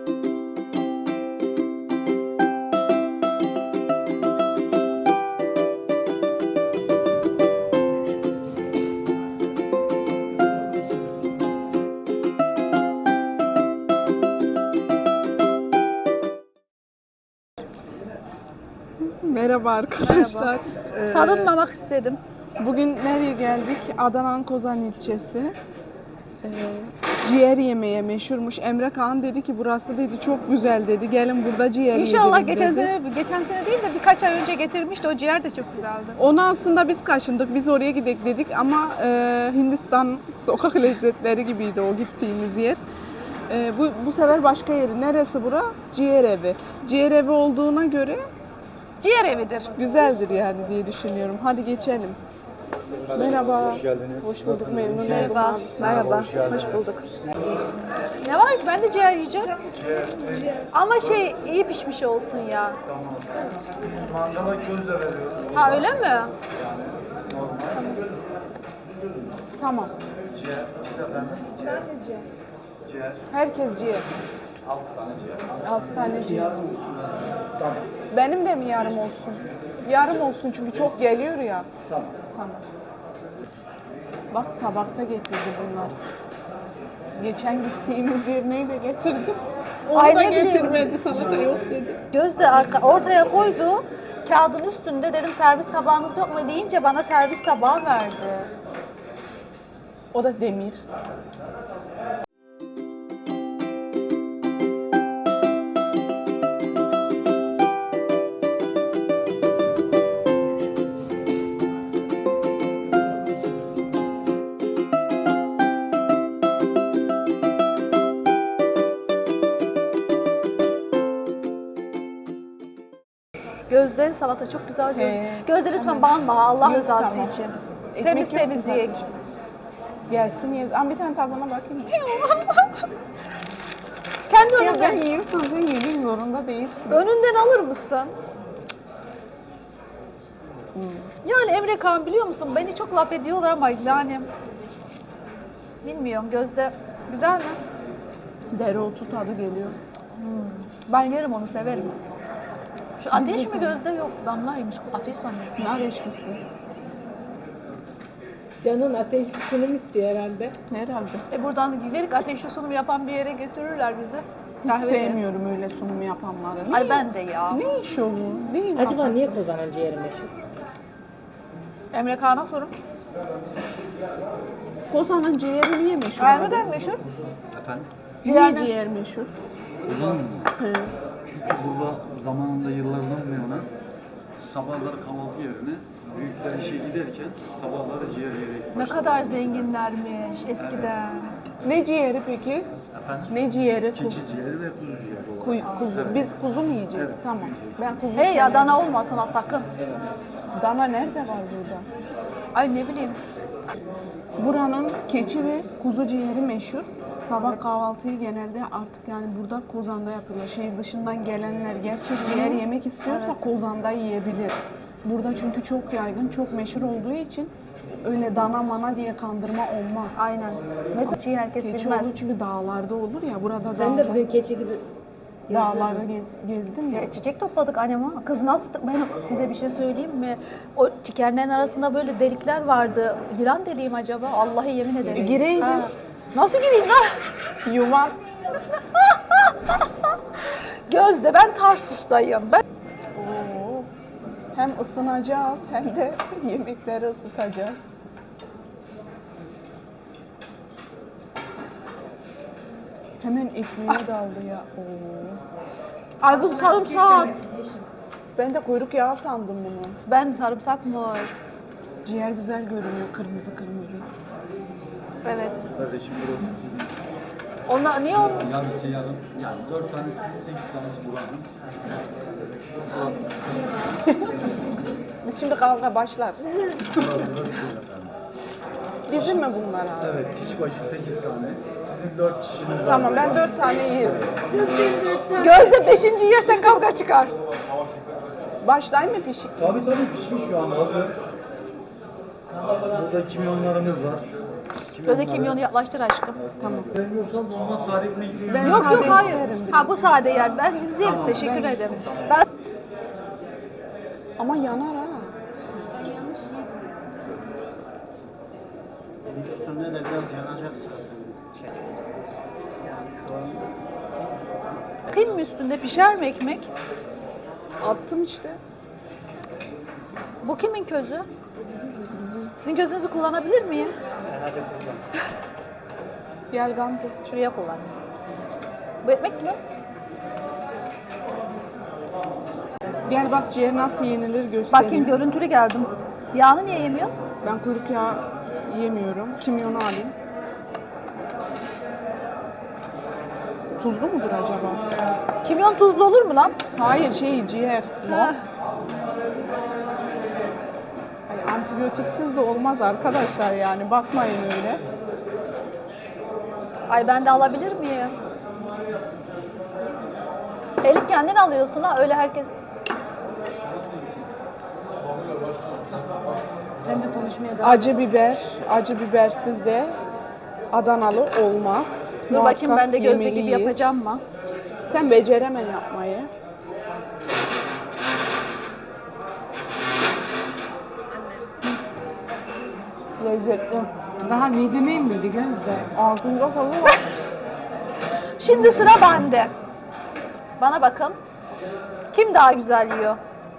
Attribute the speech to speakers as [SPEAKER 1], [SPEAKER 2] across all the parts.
[SPEAKER 1] Merhaba arkadaşlar.
[SPEAKER 2] Tanınmamak istedim.
[SPEAKER 1] Bugün nereye geldik? Adana'nın Kozan ilçesi. Ciğer yemeye meşhurmuş. Emre Kağan dedi ki burası dedi çok güzel dedi. Gelin burada ciğer
[SPEAKER 2] İnşallah
[SPEAKER 1] yiyeceğiz dedi.
[SPEAKER 2] geçen sene değil de birkaç ay önce getirmişti. O ciğer de çok güzeldi.
[SPEAKER 1] Onu aslında biz kaşındık. Biz oraya gidelim dedik ama Hindistan sokak lezzetleri gibiydi o gittiğimiz yer. Bu sefer başka yeri. Neresi bura? Ciğer evi. Ciğer evi olduğuna göre
[SPEAKER 2] Ciğer evidir.
[SPEAKER 1] güzeldir yani diye düşünüyorum. Hadi geçelim. Merhaba.
[SPEAKER 3] Hoş geldiniz.
[SPEAKER 1] Hoş bulduk, memnun oldum.
[SPEAKER 2] Merhaba.
[SPEAKER 1] Merhaba.
[SPEAKER 3] Hoş geldiniz.
[SPEAKER 1] Hoş bulduk.
[SPEAKER 2] Ne var ki ben de ciğer yiyeceğim. Ama iyi pişmiş olsun ya.
[SPEAKER 3] Mangala köz de veriyoruz.
[SPEAKER 2] Ha öyle mi?
[SPEAKER 3] Normal.
[SPEAKER 1] Tamam.
[SPEAKER 3] Ciğer. Siz efendim?
[SPEAKER 1] Ben de ciğer.
[SPEAKER 3] Ciğer.
[SPEAKER 1] Herkes ciğer.
[SPEAKER 3] 6 tane ciğer.
[SPEAKER 1] 6 tane ciğer. Benim de mi yarım olsun? Yarım olsun çünkü çok geliyor ya.
[SPEAKER 3] Tamam.
[SPEAKER 1] Tamam. Bak tabakta getirdi bunlar. Geçen gittiğimiz yer neyle getirdi? Onu
[SPEAKER 2] Ay,
[SPEAKER 1] da
[SPEAKER 2] ne bileyim.
[SPEAKER 1] getirmedi, salata yok dedi.
[SPEAKER 2] Gözde ortaya koydu. Kağıdın üstünde dedim servis tabağınız yok mu deyince bana servis tabağı verdi.
[SPEAKER 1] O da demir.
[SPEAKER 2] Gözde salata çok güzel görünüyor.
[SPEAKER 1] He.
[SPEAKER 2] Gözde lütfen banma Allah
[SPEAKER 1] Yok,
[SPEAKER 2] rızası
[SPEAKER 1] tamam.
[SPEAKER 2] için.
[SPEAKER 1] Ekmek
[SPEAKER 2] Temiz
[SPEAKER 1] yok
[SPEAKER 2] temiz
[SPEAKER 1] mu
[SPEAKER 2] ye.
[SPEAKER 1] zaten? Gelsin yeriz. Ama bir tane tadına bakayım.
[SPEAKER 2] Kendi
[SPEAKER 1] Ya ben
[SPEAKER 2] önünden,
[SPEAKER 1] yiyorsam sen yemek zorunda değilsin.
[SPEAKER 2] önünden alır mısın? Yani Emre Kağan biliyor musun? Beni çok laf ediyorlar ama yani bilmiyorum Gözde güzel mi?
[SPEAKER 1] Dereotu tadı geliyor.
[SPEAKER 2] Ben yerim onu severim. Şu ateş mi
[SPEAKER 1] de
[SPEAKER 2] Gözde yok damlaymış ateş sanıyorum.
[SPEAKER 1] Nar eşkisi.
[SPEAKER 4] Canın ateşli sunum istiyor herhalde.
[SPEAKER 1] Herhalde.
[SPEAKER 2] Buradan giderek ateşli sunum yapan bir yere götürürler bizi.
[SPEAKER 1] Hiç
[SPEAKER 2] Kahveci.
[SPEAKER 1] sevmiyorum öyle sunum yapanları.
[SPEAKER 2] Ay ben de ya.
[SPEAKER 1] Ne iş o bu? Neyin
[SPEAKER 4] Acaba
[SPEAKER 1] kafası?
[SPEAKER 4] niye Kozan'ın ciğeri meşhur?
[SPEAKER 2] Emre Kağan'a sorun.
[SPEAKER 1] Kozan'ın ciğeri niye meşhur?
[SPEAKER 2] Ay
[SPEAKER 1] abi?
[SPEAKER 2] neden meşhur?
[SPEAKER 3] Efendim?
[SPEAKER 1] Niye ciğer meşhur?
[SPEAKER 3] Uzun mu?
[SPEAKER 1] He.
[SPEAKER 3] Çünkü burada zamanında yıllardan bu yana sabahları kahvaltı yerine büyükler işe giderken sabahları ciğer yiyerek
[SPEAKER 2] Ne kadar zenginlermiş eskiden.
[SPEAKER 1] Ne ciğeri peki?
[SPEAKER 3] Efendim?
[SPEAKER 1] Ne ciğeri?
[SPEAKER 3] Keçi ciğeri ve kuzu ciğeri olarak.
[SPEAKER 1] Kuzu.
[SPEAKER 3] Evet.
[SPEAKER 1] Biz kuzu mu yiyeceğiz?
[SPEAKER 3] Evet,
[SPEAKER 1] Tamam.
[SPEAKER 3] yiyeceğiz.
[SPEAKER 1] Ben kuzu
[SPEAKER 2] Hey ya
[SPEAKER 1] severim.
[SPEAKER 2] dana olmasın ha sakın.
[SPEAKER 1] Dana nerede var burada?
[SPEAKER 2] Ay ne bileyim.
[SPEAKER 1] Buranın keçi ve kuzu ciğeri meşhur. Sabah kahvaltıyı genelde artık yani burada Kozan'da yapıyorlar. Şehir dışından gelenler gerçek ciğer yemek istiyorsa Kozan'da yiyebilir. Burada çünkü çok yaygın, çok meşhur olduğu için öyle dana mana diye kandırma olmaz.
[SPEAKER 2] Aynen. Mesela çiğ herkes
[SPEAKER 1] Keçi
[SPEAKER 2] bilmez.
[SPEAKER 1] olur çünkü dağlarda olur ya. Burada
[SPEAKER 4] Sen de bugün keçi gibi
[SPEAKER 1] dağlarda gezdin ya.
[SPEAKER 2] Çiçek topladık anneme. Kız nasıl? Ben size bir şey söyleyeyim mi? O çikenlerin arasında böyle delikler vardı. Yılan deliğim acaba? Allah'a yemin ederim.
[SPEAKER 1] Gireydin.
[SPEAKER 2] Ha. Nasıl gireyim lan?
[SPEAKER 1] Yuvan.
[SPEAKER 2] Gözde ben Tarsus'tayım. Ben
[SPEAKER 1] Oo. Hem ısınacağız hem de yemekleri ısıtacağız. Hemen ekmeğe daldı ya. Oo.
[SPEAKER 2] Ay bu sarımsak.
[SPEAKER 1] Ben de kuyruk yağı sandım bunu.
[SPEAKER 2] Ben sarımsak mı var?
[SPEAKER 1] Ciğer güzel görünüyor kırmızı kırmızı.
[SPEAKER 2] Evet.
[SPEAKER 3] Kardeşim burası sizin.
[SPEAKER 2] Onlar niye onun?
[SPEAKER 3] Yarısı yarım. Yani 4 tanesi 8 tanesi buranın.
[SPEAKER 1] Biz şimdi kavga başlar.
[SPEAKER 3] Burası sizin efendim.
[SPEAKER 1] Bizim mi bunlar abi?
[SPEAKER 3] Evet, kişi başı 8 tane. Sizin 4 kişiniz var.
[SPEAKER 1] Tamam ben 4 tane yerim.
[SPEAKER 2] Gözde 5. yersen kavga çıkar.
[SPEAKER 1] Başlayayım mı pişik?
[SPEAKER 3] Tabii pişmiş şu an hazır. Burada kimyonlarımız var.
[SPEAKER 2] Gözde kimyonu yaklaştır aşkım.
[SPEAKER 3] Tamam. Sevmiyorsan normal sade ekmek yiyorum.
[SPEAKER 1] Ben
[SPEAKER 2] Yok
[SPEAKER 1] sade
[SPEAKER 2] yok hayır.
[SPEAKER 1] isterim biraz.
[SPEAKER 2] Ha bu sade yer. Ben biz yeriz teşekkür ederim. Ben
[SPEAKER 1] Ama yanar ha.
[SPEAKER 5] Üstünde de biraz yanacak zaten. Yani şu an
[SPEAKER 2] bakayım mı üstünde pişer mi ekmek?
[SPEAKER 1] Attım işte.
[SPEAKER 2] Bu kimin közü? Sizin közünüzü kullanabilir miyim?
[SPEAKER 5] hadi kullan.
[SPEAKER 1] Gel Gamze.
[SPEAKER 2] Şuraya kullan. Bu ekmek mi?
[SPEAKER 1] Gel bak ciğer nasıl yenilir göstereyim.
[SPEAKER 2] Bakayım görüntülü geldim. Yağını niye yemiyor?
[SPEAKER 1] Ben kuyruk yağı yemiyorum. Kimyonu alayım. Tuzlu mudur acaba?
[SPEAKER 2] Kimyon tuzlu olur mu lan?
[SPEAKER 1] Hayır ciğer.
[SPEAKER 2] Ha.
[SPEAKER 1] Hani antibiyotiksiz de olmaz arkadaşlar yani bakmayın öyle.
[SPEAKER 2] Ay ben de alabilir miyim? Elif kendin alıyorsun ha öyle herkes.
[SPEAKER 4] Sen de konuşmaya devam.
[SPEAKER 1] Acı bibersiz de Adanalı olmaz.
[SPEAKER 2] Dur bakayım ben de gözde gibi
[SPEAKER 1] yemeliyiz.
[SPEAKER 2] yapacağım mı?
[SPEAKER 1] Sen beceremem yapmayı. Lezzetli.
[SPEAKER 4] Daha mideme inmedi Gözde.
[SPEAKER 1] Ağzında falan var.
[SPEAKER 2] Şimdi sıra bende. Bana bakın. Kim daha güzel yiyor?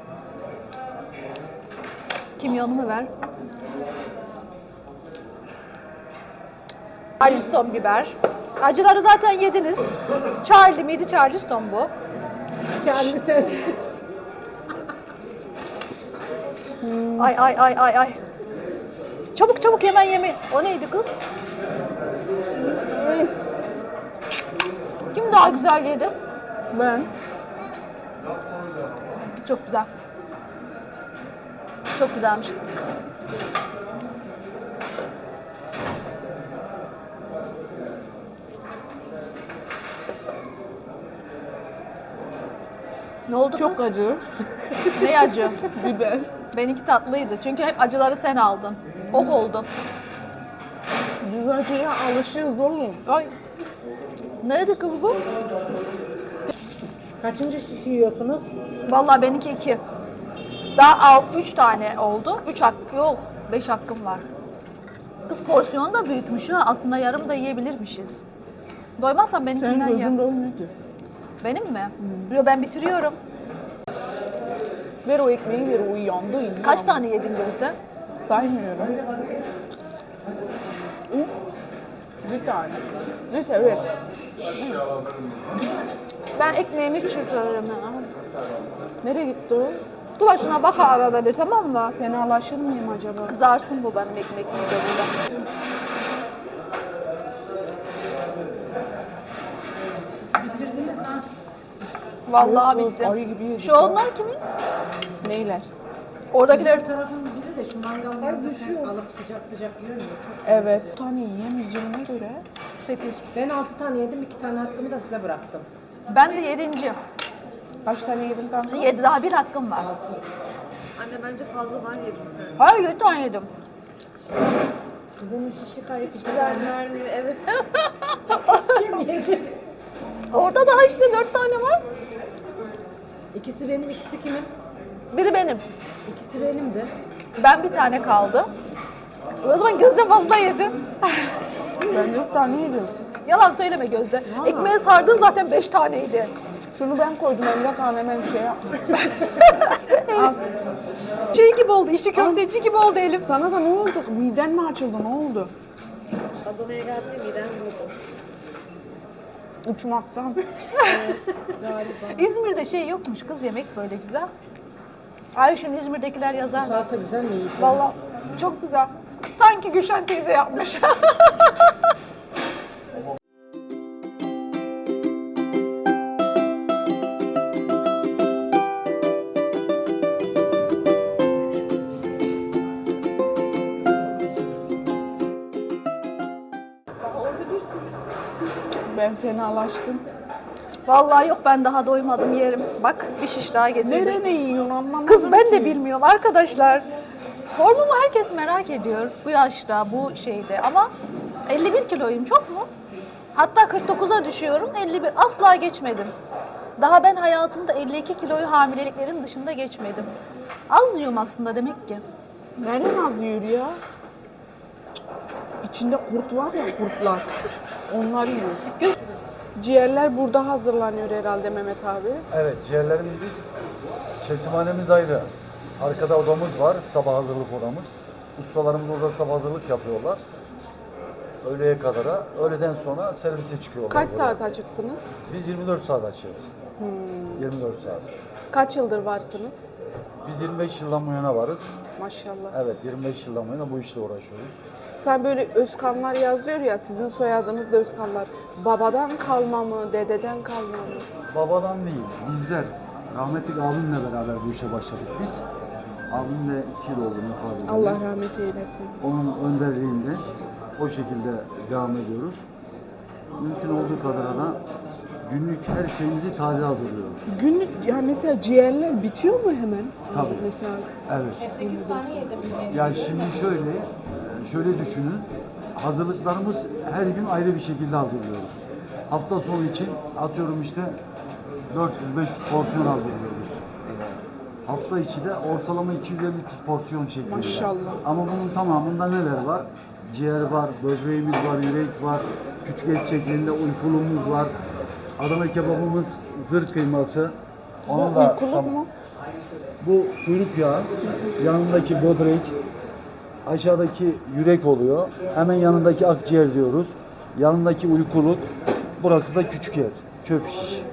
[SPEAKER 2] Kimyonumu ver. Charleston biber. Acıları zaten yediniz. Charlie miydi? Charleston bu.
[SPEAKER 4] Charlie sen.
[SPEAKER 2] Ay ay ay ay ay. Çabuk çabuk hemen yeme. O neydi kız? Kim daha güzel yedi?
[SPEAKER 1] Ben.
[SPEAKER 2] Çok güzel. Çok güzelmiş. Ne oldu
[SPEAKER 1] Çok
[SPEAKER 2] kız?
[SPEAKER 1] acı.
[SPEAKER 2] Ne acı?
[SPEAKER 1] Biber.
[SPEAKER 2] Benimki tatlıydı. Çünkü hep acıları sen aldın. Ok oldu.
[SPEAKER 1] Biz acıya alışığız oğlum.
[SPEAKER 2] Ay. Nerede kız bu?
[SPEAKER 4] Kaçıncı şiş yiyorsunuz?
[SPEAKER 2] Vallahi benimki 2. Daha 3 tane oldu. 3 hak yok. 5 hakkım var. Kız porsiyon da büyükmüş ha. Aslında yarım da yiyebilirmişiz. Doymazsan
[SPEAKER 1] Senin
[SPEAKER 2] benimkinden ye.
[SPEAKER 1] gözün doymuydu.
[SPEAKER 2] Benim mi? Yo ben bitiriyorum.
[SPEAKER 1] Ver o ekmeği ver o yandı.
[SPEAKER 2] Kaç tane yedin Gözde?
[SPEAKER 1] Saymıyorum. Uf. Bir tane. Neyse ver.
[SPEAKER 2] Ben ekmeğimi çıkarırım.
[SPEAKER 1] Nereye gitti o?
[SPEAKER 2] Dur bak şuna bak arada bir tamam mı?
[SPEAKER 1] Fenalaşır mıyım acaba?
[SPEAKER 2] Kızarsın bu benim ekmek midemde.
[SPEAKER 4] Bitirdiniz ha.
[SPEAKER 2] Vallahi
[SPEAKER 1] Yok,
[SPEAKER 2] bitti.
[SPEAKER 1] ayı gibi yedik
[SPEAKER 2] Şu onlar kimin?
[SPEAKER 1] Neyler?
[SPEAKER 2] Oradakiler
[SPEAKER 4] Diğer tarafın biri de şu mangallarda sen alıp sıcak sıcak yiyor mu? Çok.
[SPEAKER 1] Evet. Bir tane yiyemeyeceğime göre
[SPEAKER 2] 8.
[SPEAKER 4] Ben 6 tane yedim, 2 tane hakkımı da size bıraktım.
[SPEAKER 2] Ben de 7.
[SPEAKER 1] kaç tane yedin kanka?
[SPEAKER 2] 7 daha bir hakkım var.
[SPEAKER 6] Anne bence fazladan yedin sen.
[SPEAKER 2] Hayır 7 tane yedim.
[SPEAKER 4] Kızının şişi kayıp hiç
[SPEAKER 6] Vermiyor evet.
[SPEAKER 2] Orada daha işte 4 tane var.
[SPEAKER 4] İkisi benim, ikisi kimin?
[SPEAKER 2] Biri benim.
[SPEAKER 4] İkisi benimdi.
[SPEAKER 2] Ben bir tane kaldı. O zaman Gözde fazla yedi.
[SPEAKER 1] Ben 4 tane yedim.
[SPEAKER 2] Yalan söyleme Gözde. Ekmeğe sardın zaten 5 taneydi.
[SPEAKER 1] Şunu ben koydum Emre Kan hemen şey yapma.
[SPEAKER 2] Şey gibi oldu, işi köfteci gibi oldu Elif.
[SPEAKER 1] Sana da ne oldu? Miden mi açıldı? Ne oldu?
[SPEAKER 6] Adana'ya geldi midem vurdu.
[SPEAKER 1] Uçmaktan.
[SPEAKER 2] İzmir'de şey yokmuş kız yemek böyle güzel. Ay şimdi İzmir'dekiler yazar.
[SPEAKER 4] Salata güzel mi? İyi.
[SPEAKER 2] Vallahi çok güzel. Sanki Gülşen teyze yapmış.
[SPEAKER 1] Ben fenalaştım.
[SPEAKER 2] Vallahi yok ben daha doymadım yerim. Bak bir şiş daha getirdim.
[SPEAKER 1] Nerene yiyorsun anlamadım
[SPEAKER 2] Kız ben de
[SPEAKER 1] ki.
[SPEAKER 2] bilmiyorum arkadaşlar. Formumu herkes merak ediyor bu yaşta, bu şeyde ama 51 kiloyum, çok mu? Hatta 49'a düşüyorum, 51 asla geçmedim. Daha ben hayatımda 52 kiloyu hamileliklerim dışında geçmedim. Az yiyorum aslında demek ki.
[SPEAKER 1] Nereden az yiyor ya? İçinde kurt var ya, kurtlar. Onlar yiyor. Ciğerler burada hazırlanıyor herhalde Mehmet abi.
[SPEAKER 3] Evet, ciğerlerimiz biz, kesimhanemiz ayrı. Arkada odamız var, sabah hazırlık odamız. Ustalarımız orada sabah hazırlık yapıyorlar. Öğleye kadara, öğleden sonra servise çıkıyorlar.
[SPEAKER 1] Kaç
[SPEAKER 3] buraya.
[SPEAKER 1] saat açıksınız?
[SPEAKER 3] Biz 24 saat açığız. 24 saat.
[SPEAKER 1] Kaç yıldır varsınız?
[SPEAKER 3] Biz 25 yıldan bu yana varız.
[SPEAKER 1] Maşallah.
[SPEAKER 3] Evet, 25 yıldan bu yana bu işle uğraşıyoruz.
[SPEAKER 1] Sen böyle Özkanlar yazıyor ya, sizin soyadınız da Özkanlar. Babadan kalma mı, dededen kalma mı?
[SPEAKER 3] Babadan değil, bizler. Rahmetli abimle beraber bu işe başladık biz. Abim de 2 yıl oldu vefat edildi.
[SPEAKER 1] Allah rahmet eylesin.
[SPEAKER 3] Onun önderliğinde o şekilde devam ediyoruz. Mümkün olduğu kadar da günlük her şeyimizi taze hazırlıyoruz.
[SPEAKER 1] Günlük, yani mesela ciğerler bitiyor mu hemen?
[SPEAKER 3] Tabii.
[SPEAKER 1] Mesela
[SPEAKER 3] Evet.
[SPEAKER 4] 8 tane yedim.
[SPEAKER 3] Yani şimdi şöyle düşünün. Hazırlıklarımız her gün ayrı bir şekilde hazırlıyoruz. Hafta sonu için atıyorum işte 400-500 porsiyon hazırlıyoruz. Hafta içi de ortalama 250-300 porsiyon şeklinde.
[SPEAKER 1] Maşallah.
[SPEAKER 3] Ama bunun tamamında neler var? Ciğer var, böbreğimiz var, yürek var, küçük et şeklinde uykuluğumuz var. Adana kebabımız, zırh kıyması. Onun da
[SPEAKER 1] uykuluk mu?
[SPEAKER 3] bu kuyruk yağı, yanındaki böbrek, aşağıdaki yürek oluyor. Hemen yanındaki akciğer diyoruz. Yanındaki uykuluk, burası da küçük et, çöp şiş.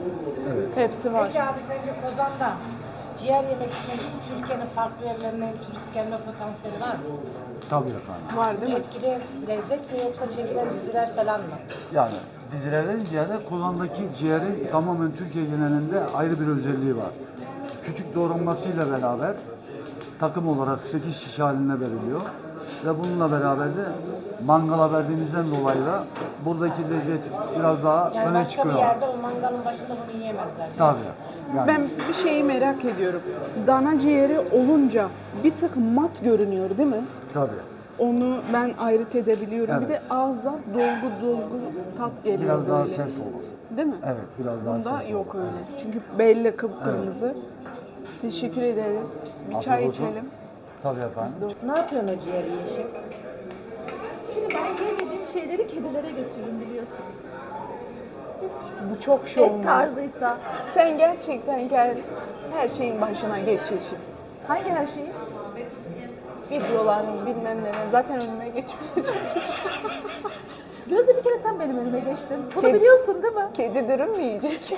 [SPEAKER 1] Hepsi var.
[SPEAKER 4] Peki abi sence Kozan'da ciğer yemek için Türkiye'nin farklı yerlerine turist gelme potansiyeli var mı?
[SPEAKER 3] Tabii efendim.
[SPEAKER 1] Var değil mi?
[SPEAKER 4] Etkili lezzet mi yoksa çekilen diziler falan mı?
[SPEAKER 3] Yani dizilerden ziyade Kozan'daki ciğerin tamamen Türkiye genelinde ayrı bir özelliği var. Küçük doğranmasıyla beraber takım olarak 8 şiş haline veriliyor. Ve bununla beraber de mangala verdiğimizden dolayı da buradaki lezzet biraz daha
[SPEAKER 4] Yani
[SPEAKER 3] öne
[SPEAKER 4] başka
[SPEAKER 3] çıkıyor.
[SPEAKER 4] bir yerde o mangalın başında bunu yiyemezler.
[SPEAKER 3] Tabii. Yani,
[SPEAKER 1] Ben bir şeyi merak ediyorum. Dana ciğeri olunca bir tık mat görünüyor değil mi?
[SPEAKER 3] tabii.
[SPEAKER 1] Onu ben ayırt edebiliyorum. Bir
[SPEAKER 3] Evet.
[SPEAKER 1] de ağızda dolgu tat geliyor
[SPEAKER 3] Biraz daha
[SPEAKER 1] böyle.
[SPEAKER 3] sert olur.
[SPEAKER 1] Değil mi?
[SPEAKER 3] Evet, biraz daha
[SPEAKER 1] Bunda
[SPEAKER 3] sert
[SPEAKER 1] yok
[SPEAKER 3] olur.
[SPEAKER 1] öyle. Çünkü belli kıpkırmızı. Teşekkür ederiz. Bir çay
[SPEAKER 3] Afiyet olsun.
[SPEAKER 1] içelim.
[SPEAKER 3] Tabii efendim.
[SPEAKER 4] Ne yapıyorsun o ciğeri yeşil?
[SPEAKER 2] Şimdi ben yemediğim şeyleri kedilere götürürüm biliyorsunuz.
[SPEAKER 1] Bu çok şov.
[SPEAKER 2] Et tarzıysa.
[SPEAKER 1] Sen gerçekten gel her şeyin başına geç Yeşim.
[SPEAKER 2] Hangi her şeyi?
[SPEAKER 1] Videoların bilmem ne. Zaten önüme geçmeyecek.
[SPEAKER 2] Gözde bir kere sen benim önüme geçtin. Bunu
[SPEAKER 1] Kedi-
[SPEAKER 2] biliyorsun değil mi?
[SPEAKER 1] Kedi dürüm mü yiyecek?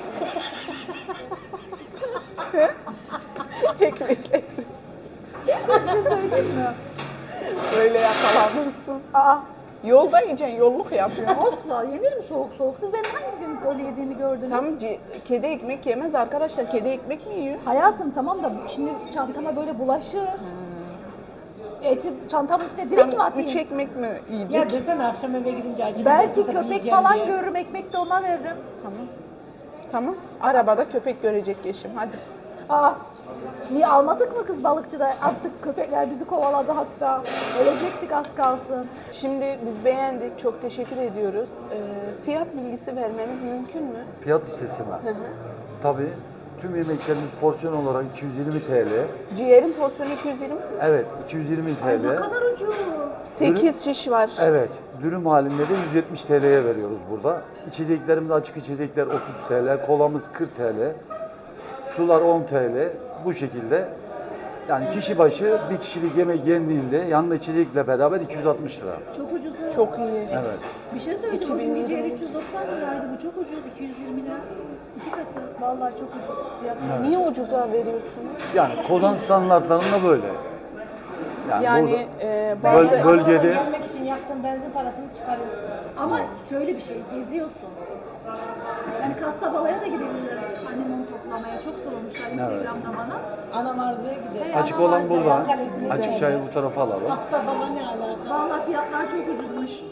[SPEAKER 1] Ekmekle dürüm.
[SPEAKER 2] Bir şey söyleyeyim mi?
[SPEAKER 1] Böyle yakalanırsın. Aa, yolda yiyeceksin, yolluk yapıyorsun.
[SPEAKER 2] Asla yenir mi soğuk soğuk? Siz benim hangi gün böyle yediğimi gördünüz?
[SPEAKER 1] Tam kedi ekmek yemez arkadaşlar. Kedi ekmek mi yiyor?
[SPEAKER 2] Hayatım tamam da şimdi çantama böyle bulaşır. Eti çantamın içine direkt mi
[SPEAKER 1] Tam
[SPEAKER 2] atayım?
[SPEAKER 1] 3 ekmek mi
[SPEAKER 4] Ya
[SPEAKER 1] yiyecek?
[SPEAKER 4] desene akşam eve gidince acı
[SPEAKER 2] Belki
[SPEAKER 4] biberse de
[SPEAKER 2] köpek
[SPEAKER 4] yiyeceğim
[SPEAKER 2] falan
[SPEAKER 4] diye.
[SPEAKER 2] görürüm, ekmek de ona veririm.
[SPEAKER 1] Tamam. Tamam. Arabada köpek görecek Yeşim. Hadi.
[SPEAKER 2] Aa, niye almadık mı kız balıkçıda? Attık, köpekler bizi kovaladı hatta. Ölecektik az kalsın.
[SPEAKER 1] Şimdi biz beğendik. Çok teşekkür ediyoruz. Fiyat bilgisi vermeniz mümkün mü?
[SPEAKER 3] Fiyat listesi mi? Tabii. Tüm yemeklerimiz porsiyon olarak 220 TL.
[SPEAKER 1] Ciğerin porsiyonu 220.
[SPEAKER 3] Evet, 220
[SPEAKER 2] Ne
[SPEAKER 3] TL.
[SPEAKER 2] kadar ucuz.
[SPEAKER 1] 8 şiş var.
[SPEAKER 3] Evet, dürüm halinde de 170 TL'ye veriyoruz burada. İçeceklerimiz açık içecekler 30 TL, kolamız 40 TL, sular 10 TL. Bu şekilde yani kişi başı bir kişilik yemek yendiğinde yanında içecekle beraber 260 lira.
[SPEAKER 2] Çok ucuz.
[SPEAKER 1] Çok iyi.
[SPEAKER 3] Evet.
[SPEAKER 2] Bir şey söyleyeceğim.
[SPEAKER 1] 2000
[SPEAKER 2] Bugün bir ciğer
[SPEAKER 1] lira.
[SPEAKER 2] 390 liraydı. Bu çok ucuz. 220 lira. 2 katı. Vallahi çok ucuz. Fiyatlar.
[SPEAKER 1] Niye ucuza veriyorsunuz?
[SPEAKER 3] Yani Kozan standartlarında böyle.
[SPEAKER 1] Yani
[SPEAKER 3] burada-
[SPEAKER 1] bazı
[SPEAKER 3] Böl- bölgede-
[SPEAKER 4] Adana'dan gelmek için yaktığın benzin parasını çıkarıyorsun.
[SPEAKER 2] Ama şöyle bir şey, geziyorsun. Yani Kastabala'ya da gidebilirler. Annem onu toplamaya. Çok sormuşlar Instagram'da bana.
[SPEAKER 4] Ana Marzu'ya gidelim.
[SPEAKER 2] Hey,
[SPEAKER 3] Açık
[SPEAKER 2] ana
[SPEAKER 3] olan
[SPEAKER 2] var,
[SPEAKER 3] burada.
[SPEAKER 4] Kazan Kalesi'ni
[SPEAKER 3] Açık
[SPEAKER 4] izleyelim.
[SPEAKER 3] çayı bu tarafa alalım.
[SPEAKER 4] Hasta bala ne alaka?
[SPEAKER 2] Vallahi fiyatlar çok ucuzmuş.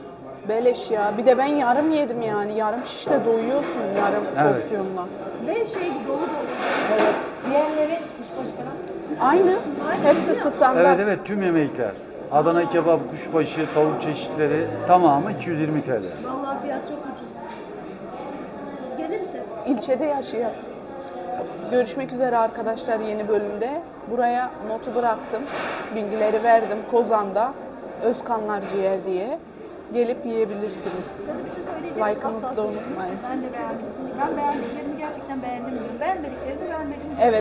[SPEAKER 1] beleş ya. Bir de ben yarım yedim yani. Yarım şişte doyuyorsun yarım
[SPEAKER 3] Evet.
[SPEAKER 1] porsiyonla.
[SPEAKER 2] Ve şeydi dolu dolu.
[SPEAKER 1] Evet.
[SPEAKER 4] Diğerleri kuşbaşı falan.
[SPEAKER 1] Aynı. Hepsi standart.
[SPEAKER 3] Evet evet, tüm yemekler. Adana kebap, kuşbaşı, tavuk çeşitleri tamamı 220 TL.
[SPEAKER 2] Vallahi fiyat çok ucuz. Biz geliriz hep.
[SPEAKER 1] İlçede yaşayan. Görüşmek üzere arkadaşlar yeni bölümde. Buraya notu bıraktım. Bilgileri verdim. Kozan'da Özkanlar Ciğer diye. Gelip yiyebilirsiniz.
[SPEAKER 2] Sana bir şey söyleyeceğim.
[SPEAKER 1] Like'ınızı
[SPEAKER 2] Asla
[SPEAKER 1] da
[SPEAKER 2] söyleyeyim.
[SPEAKER 1] unutmayın.
[SPEAKER 2] Ben de beğendim. Ben beğendiklerimi gerçekten beğendim diyorum. Beğenmediklerimi beğenmedim diyorum.
[SPEAKER 1] Evet.